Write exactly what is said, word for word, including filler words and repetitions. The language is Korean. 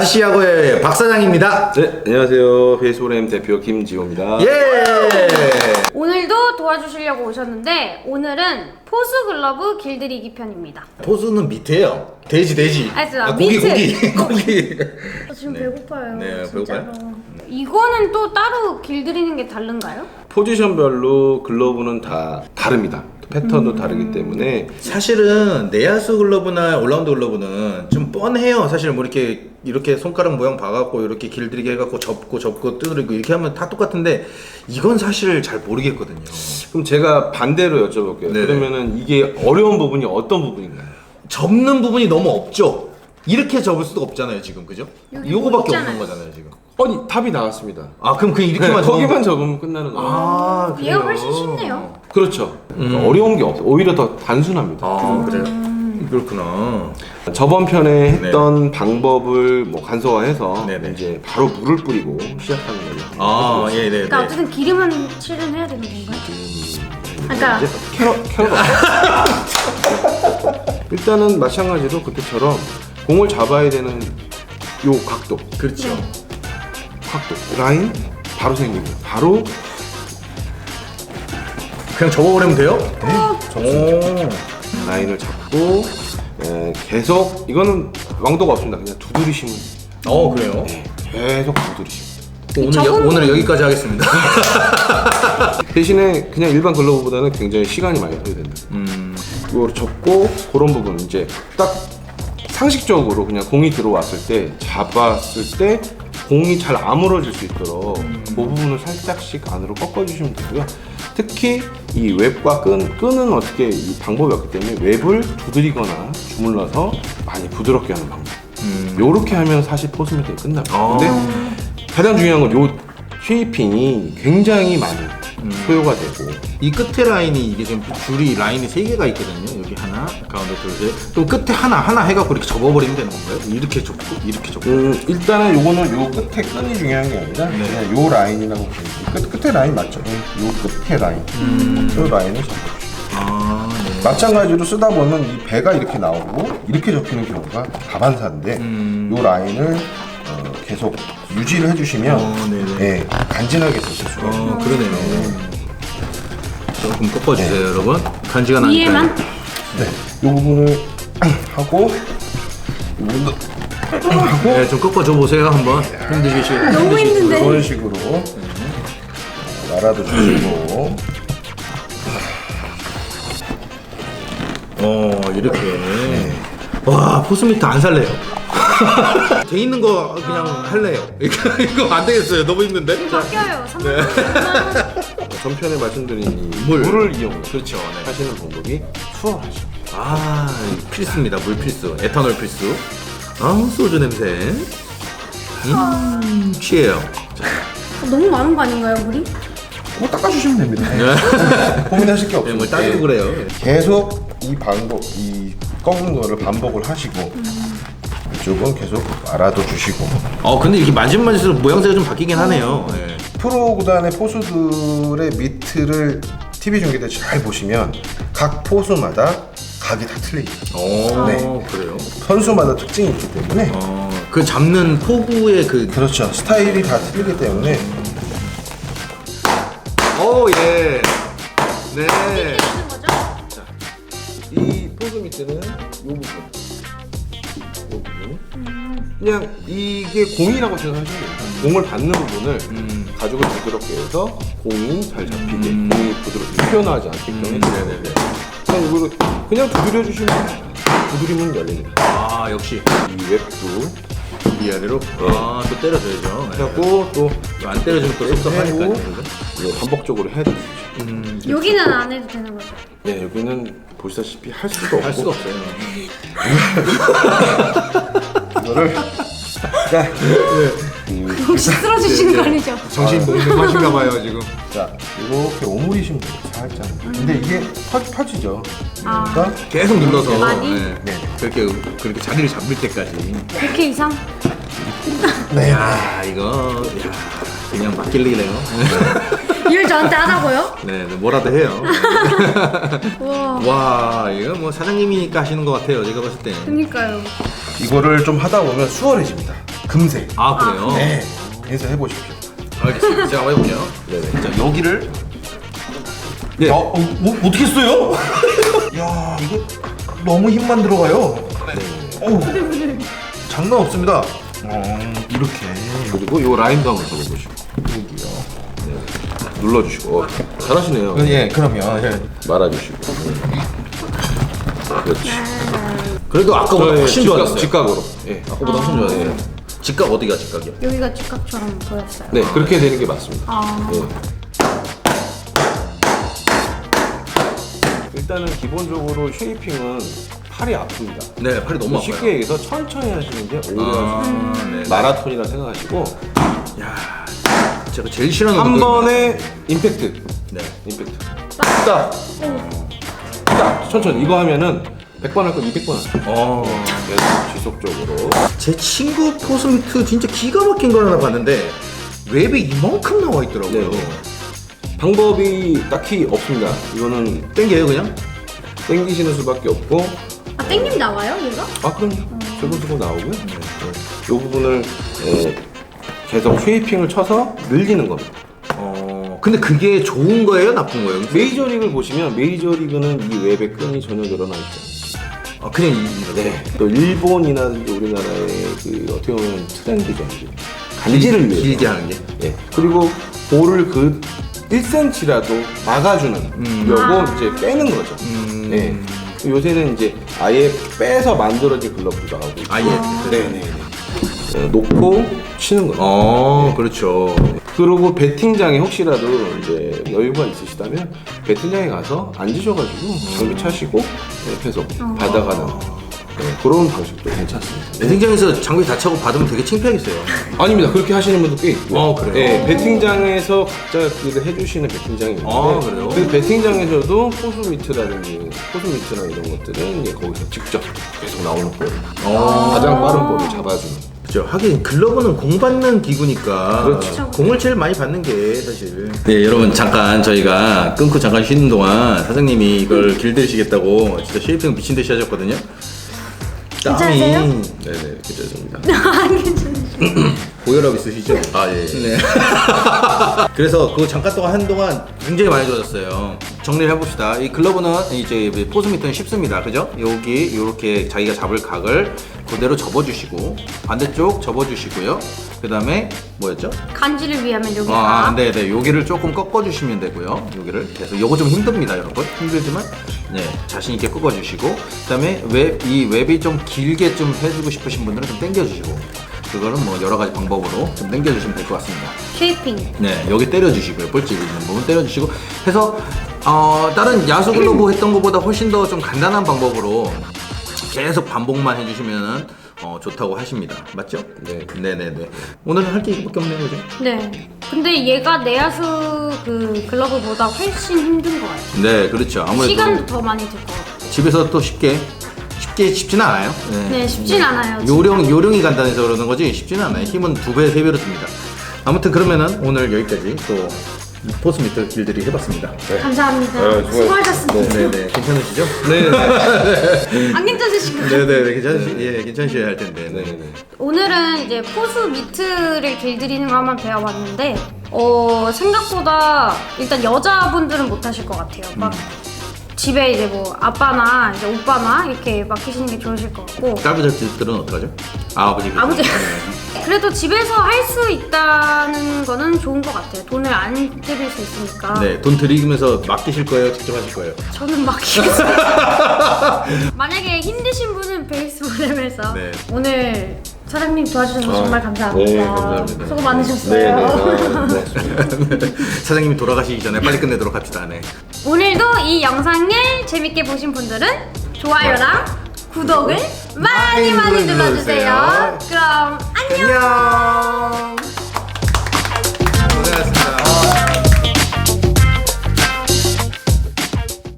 다시야구의 박 사장입니다. 네, 안녕하세요. 베이스볼엠 대표 김지호입니다. 예. 오늘도 도와주시려고 오셨는데 오늘은 포수 글러브 길들이기 편입니다. 포수는 밑에요. 돼지 돼지. 아, 진짜 아, 고기 밑에. 고기 고기. 저 지금 배고파요. 네, 진짜로. 배고파요? 이거는 또 따로 길들이는 게 다른가요? 포지션별로 글러브는 다 다릅니다. 패턴도 음. 다르기 때문에 사실은 내야수 글러브나 올라운드 글러브는 좀 뻔해요. 사실 뭐 이렇게 이렇게 손가락 모양 봐갖고 이렇게 길들이게 해갖고 접고 접고 두드리고 이렇게 하면 다 똑같은데 이건 사실 잘 모르겠거든요. 그럼 제가 반대로 여쭤볼게요. 네네. 그러면은 이게 어려운 부분이 어떤 부분인가요? 접는 부분이 너무 없죠. 이렇게 접을 수도 없잖아요 지금, 그죠? 여기 요거밖에 뭐 없는 있잖아요. 거잖아요 지금. 아니 답이 나왔습니다. 아 그럼 그냥 이렇게만 네, 접으면 거기만 접으면 끝나는 거예요. 아 그래요? 얘가 훨씬 쉽네요. 그렇죠. 음. 어려운 게 없어요. 오히려 더 단순합니다. 아 그래요? 음. 그렇구나. 저번 편에 했던 방법을 뭐 간소화해서 네네. 이제 바로 물을 뿌리고 시작하는 걸로. 아 예, 네, 그러니까 네. 어쨌든 기름은 칠은 해야 되는 건가요? 그러니까 이제 캐럿 캐럿. 일단은 마찬가지로 그때처럼 공을 잡아야 되는 요 각도, 그렇죠. 네. 각도, 라인 바로 생깁니다. 바로 그냥 접어버리면 돼요? 접습니다. 라인을 잡고 에, 계속 이거는 왕도가 없습니다. 그냥 두드리시면 어 그래요? 네, 계속 두드리시면. 오늘 여, 접은 오늘 부분- 여기까지 하겠습니다. 대신에 그냥 일반 글러브보다는 굉장히 시간이 많이 소요된다. 음, 이걸 접고 그런 부분 이제 딱 상식적으로 그냥 공이 들어왔을 때 잡았을 때 공이 잘 아물어질 수 있도록 그 부분을 살짝씩 안으로 꺾어주시면 되고요. 특히 이 웹과 끈, 끈은 어떻게 이 방법이 없기 때문에 웹을 두드리거나 주물러서 많이 부드럽게 하는 방법. 음. 요렇게 하면 사실 포스 메이킹이 끝납니다. 아. 근데 가장 중요한 건 요 쉐이핑이 굉장히 많이 소요가 되고 이 끝에 라인이 이게 지금 줄이 라인이 세 개가 있거든요. 여기 하나, 가운데 둘, 셋. 또 끝에 하나 하나 해갖고 이렇게 접어버리면 되는 건가요? 이렇게 접고 이렇게 접고. 음, 일단은 요거는 요 끝에 끈이 중요한 게 아니라 그냥 요 라인이라고 보시면 끝, 끝에 라인 맞죠? 요 끝에 라인 요 라인을 잡아주시죠. 아, 네. 마찬가지로 쓰다 보면 이 배가 이렇게 나오고 이렇게 접히는 경우가 다반사인데 음. 요 라인을 어, 계속 유지를 해주시면 어, 네네. 예, 간지나게 쓰실 수가 있어요. 어, 그러네요. 조금 꺾어주세요, 여러분. 간지가 나니까. 위에만? 네, 요 부분을 하고 이 부분도 네, 좀 꺾어줘 보세요, 한번. 힘드시죠? 너무 힘든데. 이런 식으로 날아도 주시고 어, 이렇게. 와, 포스미트 안 살래요. 돼 있는 거 그냥 할래요. 이거, 이거 안 되겠어요. 너무 힘든데? 자, 바뀌어요. 삼 네. 전편에 말씀드린 이 물. 물을 이용해서 그렇죠. 네. 하시는 방법이 수월하죠. 아, 필수입니다. 물 필수. 에탄올 필수. 아, 소주 냄새. 음, 취해요. 자, 너무 많은 거 아닌가요, 물이? 뭐 닦아주시면 됩니다. 고민하실 게 네, 없어요. 뭐 따지고 그래요. 계속 이 반복, 이 꺾는 거를 반복을 하시고 이쪽은 계속 알아도 주시고 어, 근데 이렇게 만지면 만질수록 모양새가 좀 바뀌긴 하네요. 네. 프로 구단의 포수들의 미트를 티비 중계 때 잘 보시면 각 포수마다 각이 다 틀리죠. 오, 네. 그래요? 선수마다 특징이 있기 때문에 어, 그 잡는 포구의 그. 그렇죠. 스타일이 다 틀리기 때문에 오, 예. 네. 하는 거죠? 이 포수 미트는 이 부분, 이 부분 그냥 이게 공이라고 생각하시면 돼요. 공을 받는 부분을 음. 가죽을 부드럽게 해서 공이 잘 잡히게, 음. 공이 부드럽게 튀어나오지 않게끔 음, 해주세요. 네네네. 그냥 이거를 그냥 두드려 주시면 돼요. 두드리면 열립니다. 아, 역시. 이 웹도 위아래로. 아, 또 때려줘야죠. 네. 하고 또 이거 안 때려주면 또 섭섭하니까요. 해고 근데. 이거 반복적으로 해야 되죠. 음, 여기는 안 해도 되는 거죠? 네, 여기는 보시다시피 할 수도 없고 할 수가 없어요. 이거를 자, 혹시 쓰러지시는 거 아니죠? 정신 몽롱하신가 봐요, 지금. 자 이렇게 오므리시면 돼요. 살짝. 근데 이게 펴, 펴지죠. 아. 그러니까 계속 눌러서. 많이? 네. 네. 그렇게, 그렇게 자리를 잡을 때까지. 백 회 이상? 네. 야, 이거. 야, 그냥 맡길리네요. 일 저한테 하라고요? 네, 네, 뭐라도 해요. 와. 와, 이거 뭐 사장님이니까 하시는 것 같아요. 제가 봤을 때. 그니까요. 이거를 좀 하다 보면 수월해집니다. 금세. 아 그래요? 네. 해서 해보십시오. 알겠습니다. 제가 한번 해볼게요. 네네. 자 여기를 네. 야, 어, 뭐, 어떻게 써요? 야, 이거 너무 힘만 들어가요. 네. 어우, 장난 없습니다. 어, 이렇게. 그리고 요 라인도 한번 잡아보시고. 여기요. 네. 눌러주시고. 어, 잘하시네요. 예, 그러면 예. 말아주시고. 그렇지. 그래도 아까보다 훨씬 직각, 좋았어요. 직각으로. 예. 아까보다 훨씬 좋았어요. 직각 어디가 직각이요? 여기가 직각처럼 보였어요. 네, 그렇게 되는 게 맞습니다. 아. 예. 일단은 기본적으로 쉐이핑은 팔이 아픕니다. 네, 팔이 너무 아파요. 쉽게 얘기해서 천천히 하시는 게 오래 아, 하시는 네. 마라톤이라 생각하시고 야, 제가 제일 싫어하는 한 운동입니다. 번에 임팩트. 네. 임팩트. 딱. 딱. 천천히. 이거 하면은 백 번 할 거 이백 번 하세요. 어, 계속 지속적으로. 제 친구 포스미트 진짜 기가 막힌 걸 하나 봤는데 웹이 이만큼 나와 있더라고요. 네. 방법이 딱히 없습니다. 이거는 땡겨요 그냥? 땡기시는 수밖에 없고. 아 땡김 나와요 얘가? 아 그럼요. 슬금슬금 나오고요. 네. 이 부분을 에, 계속 쉐이핑을 쳐서 늘리는 겁니다. 어, 근데 그게 좋은 거예요, 나쁜 거예요? 메이저리그를 보시면 메이저리그는 이 웹의 끈이 전혀 늘어나 있지 않습니다. 아, 그냥 이, 네. 또 일본이나 우리나라의 그 어떻게 보면 트렌드죠. 이제. 간지를 위해서. 길게 하는 게. 예. 그리고 볼을 그 일 센티미터라도 막아주는 음. 요거 아. 이제 빼는 거죠. 음. 예. 요새는 이제 아예 빼서 만들어진 글러브도 나오고 있고. 아, 예. 네네네. 예, 놓고 치는 거죠. 어, 그렇죠. 그리고 배팅장에 혹시라도 이제 여유가 있으시다면 배팅장에 가서 앉으셔가지고 장비 차시고 네, 계속 받아가는 네, 그런 방식도 괜찮습니다. 배팅장에서 장비 다 차고 받으면 되게 창피하겠어요. 아닙니다. 그렇게 하시는 분도 꽤 있고요. 어, 그래요? 네, 배팅장에서 각자끼리 해주시는 배팅장이 있는데 아, 그래요? 그 배팅장에서도 포수 미트라든지 포수 미트나 이런 것들은 이제 거기서 직접 계속 나오는 볼, 어. 가장 빠른 볼을 잡아주는. 그렇죠. 하긴 글러브는 공 받는 기구니까 그렇죠. 공을 제일 많이 받는 게 사실. 네, 여러분 잠깐 저희가 끊고 잠깐 쉬는 동안 사장님이 이걸 길들이시겠다고 진짜 쉐이핑 미친 듯이 하셨거든요. 괜찮으세요? 네네, 괜찮습니다. 안 괜찮으시죠? 고혈압 있으시죠? 아 예. 네. 그래서 그 잠깐 동안 한동안 굉장히 많이 좋아졌어요. 정리를 해봅시다. 이 글러브는 이제 포스 미터는 쉽습니다. 그죠? 여기 이렇게 자기가 잡을 각을 그대로 접어주시고 반대쪽 접어주시고요. 그 다음에 뭐였죠? 간지를 위하면 여기가 아, 네네. 여기를 조금 꺾어주시면 되고요. 여기를 계속. 요거 좀 힘듭니다, 여러분. 힘들지만, 네. 자신있게 꺾어주시고. 그 다음에 웹, 이 웹이 좀 길게 좀 해주고 싶으신 분들은 좀 당겨주시고. 그거는 뭐 여러 가지 방법으로 좀 당겨주시면 될 것 같습니다. 쉐이핑. 네. 여기 때려주시고요. 볼집 있는 부분 때려주시고. 해서, 어, 다른 야수 글러브 했던 것보다 훨씬 더 좀 간단한 방법으로 계속 반복만 해주시면은 어, 좋다고 하십니다. 맞죠? 네. 네네네. 오늘은 할 게 이거밖에 없네요, 그죠? 네. 근데 얘가 내야수 그 글러브보다 훨씬 힘든 것 같아요. 네, 그렇죠. 아무래도 시간도 더 많이 들 것 같고. 집에서 또 쉽게 쉽게 쉽지는 않아요. 네, 쉽진 않아요. 진짜. 요령 요령이 간단해서 그러는 거지 쉽지는 않아요. 힘은 두 배, 세 배로 듭니다. 아무튼 그러면은 오늘 여기까지 또 포스 미터 길들이 해봤습니다. 감사합니다. 네, 좋아요. 수고하셨습니다. 네네, 괜찮으시죠? 네. 안 괜찮으신가요? 네네, 괜찮으시, 예, 괜찮으셔야 할 텐데. 네. 네네. 오늘은 이제 포수 미트를 길들이는 거 한번 배워봤는데 어 생각보다 일단 여자분들은 못 하실 것 같아요. 막 집에 이제 뭐 아빠나 이제 오빠나 이렇게 맡기시는 게 좋으실 것 같고 딸부자들은 어떡하죠? 아, 아버지. 아버지 네. 그래도 집에서 할 수 있다는 거는 좋은 것 같아요. 돈을 안 들일 수 있으니까. 네, 돈 들이면서 맡기실 거예요? 직접 하실 거예요? 저는 맡기겠습니다. 만약에 힘드신 분은 베이스 모델에서 네. 오늘 사장님 도와주셔서 아, 정말 감사합니다. 네, 감사합니다. 수고 네, 많으셨어요. 네. 아, 고맙습니다. 사장님이 돌아가시기 전에 빨리 끝내도록 합시다. 네. 오늘도 이 영상을 재밌게 보신 분들은 좋아요랑 구독을 많이 많이 눌러주세요. 그럼 안녕. 안녕.